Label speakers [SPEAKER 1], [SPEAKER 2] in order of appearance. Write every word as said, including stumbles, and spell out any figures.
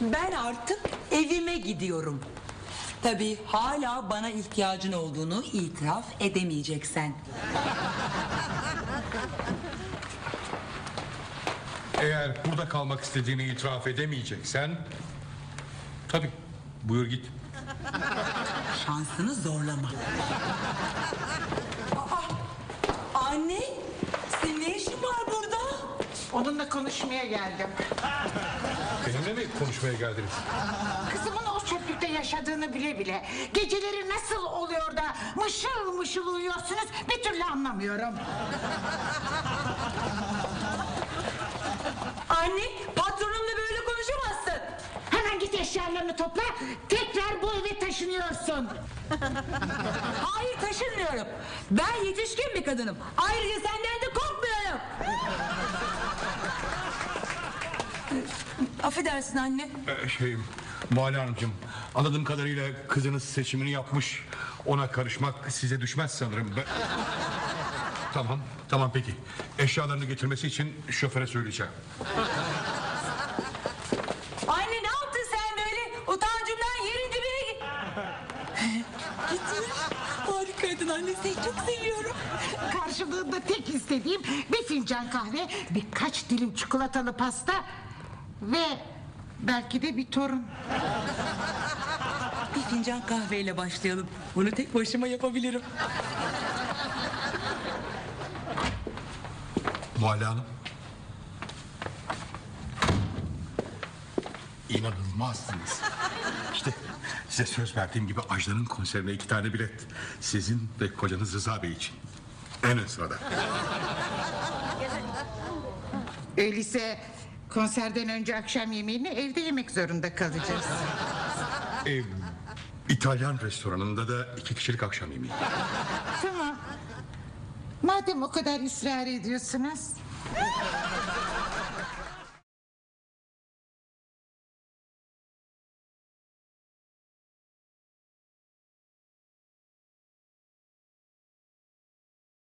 [SPEAKER 1] Ben artık evime gidiyorum. Tabii hala bana ihtiyacın olduğunu itiraf edemeyeceksen.
[SPEAKER 2] Eğer burada kalmak istediğini itiraf edemeyeceksen, tabii buyur git.
[SPEAKER 1] Şansını zorlama. Aa, anne, senin ne işin var burada?
[SPEAKER 3] Onunla konuşmaya geldim.
[SPEAKER 2] Benimle mi konuşmaya geldiniz?
[SPEAKER 3] Kızımın o çöplükte yaşadığını bile bile geceleri nasıl oluyor da mışıl mışıl uyuyorsunuz bir türlü anlamıyorum.
[SPEAKER 1] Anne, patronumla böyle konuşamazsın.
[SPEAKER 3] Hemen git eşyalarını topla, tekrar bu eve taşınıyorsun.
[SPEAKER 1] Hayır, taşınmıyorum. Ben yetişkin bir kadınım. Ayrıca senden de korkmuyorum. Affedersin anne.
[SPEAKER 2] Ee, şey, Muhalle Hanımcığım, anladığım kadarıyla kızınız seçimini yapmış. Ona karışmak size düşmez sanırım. Ben... Tamam, tamam peki. Eşyalarını getirmesi için şoföre söyleyeceğim.
[SPEAKER 1] Anne, ne yaptın sen böyle? Utancımdan yerin dibine git. Gitmiş. Harikaydın anne, seni çok seviyorum.
[SPEAKER 3] Karşılığında tek istediğim bir fincan kahve, birkaç dilim çikolatalı pasta ve belki de bir torun.
[SPEAKER 1] Bir fincan kahveyle başlayalım. Bunu tek başıma yapabilirim.
[SPEAKER 2] Muhalle Hanım. İnanılmazsınız. İşte size söz verdiğim gibi Ajda'nın konserine iki tane bilet. Sizin ve kocanız Rıza Bey için. En ön sırada.
[SPEAKER 3] Öyleyse konserden önce akşam yemeğini evde yemek zorunda kalacağız.
[SPEAKER 2] Ee, İtalyan restoranında da iki kişilik akşam yemeği.
[SPEAKER 3] Tamam. Madem o kadar ısrar ediyorsunuz.